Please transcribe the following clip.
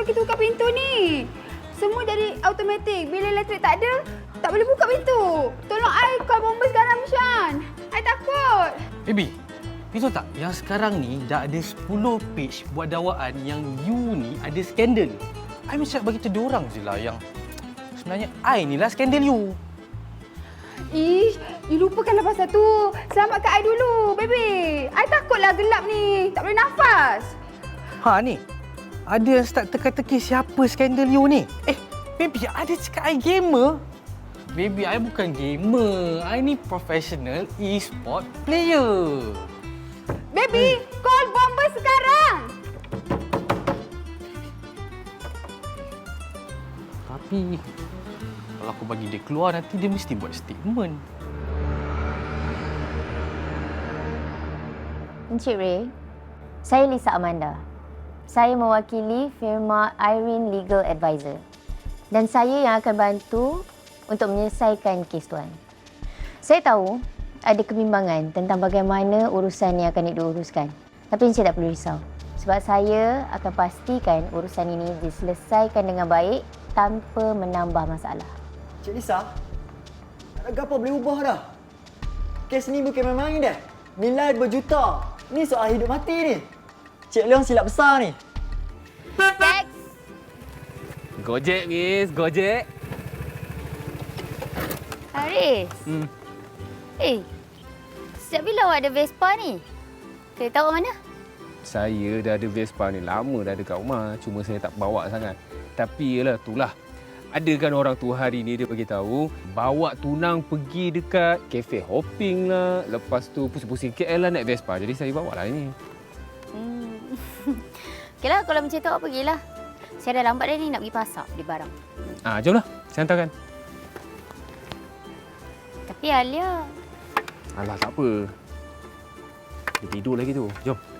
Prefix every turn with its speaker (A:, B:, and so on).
A: kita buka pintu ni? Semua jadi automatik. Bila elektrik tak ada, tak boleh buka pintu. Tolong I call bomba sekarang, Mishan. I takut.
B: Baby, you tahu tak? Yang sekarang ni dah ada 10 page buat dakwaan yang you ni ada skandal. I mesti nak bagi tahu diorang je lah yang sebenarnya I ni lah skandal you.
A: Ish, you lupakanlah pasal tu. Selamatkan I dulu, baby. I takutlah gelap ni. Tak boleh nafas.
B: Ha ni, ada start teka-teki siapa skandal you ni. Baby, ada cakap I gamer. Baby, I bukan gamer. I ni professional e-sport player.
A: Baby, call bomba sekarang.
B: Tapi kalau aku bagi dia keluar, nanti dia mesti buat statement.
C: Encik Ray, saya Lisa Amanda. Saya mewakili firma Irene Legal Advisor. Dan saya yang akan bantu untuk menyelesaikan kes tuan. Saya tahu ada kebimbangan tentang bagaimana urusan yang akan diuruskan. Tapi Encik tak perlu risau. Sebab saya akan pastikan urusan ini diselesaikan dengan baik tanpa menambah masalah.
D: Cik Lisa, tak ada apa boleh ubah dah. Kes ni bukan main-main dah. Nilai berjuta. Ni soal hidup mati ni. Cik Leong silap besar ni.
C: Tax!
E: Gojek, Miss. Gojek.
C: Haris. Sejak bila awak ada Vespa ni? Saya tahu mana?
E: Saya dah ada Vespa ni lama dah dekat rumah. Cuma saya tak bawa sangat. Tapi yalah, itulah. Ada kan orang tua hari ni dia bagi tahu bawa tunang pergi dekat kafe hopping lah. Lepas tu pusing-pusing KL lah naik Vespa. Jadi saya bawa lah ini.
C: Okeylah, kalau macam tu awak pergilah. Saya dah lambat dah ni nak pergi pasar beli barang.
E: Jomlah. Saya hantarkan.
C: Tapi Alia...
E: Alah, tak apa. Dia tidur lagi tu. Jom.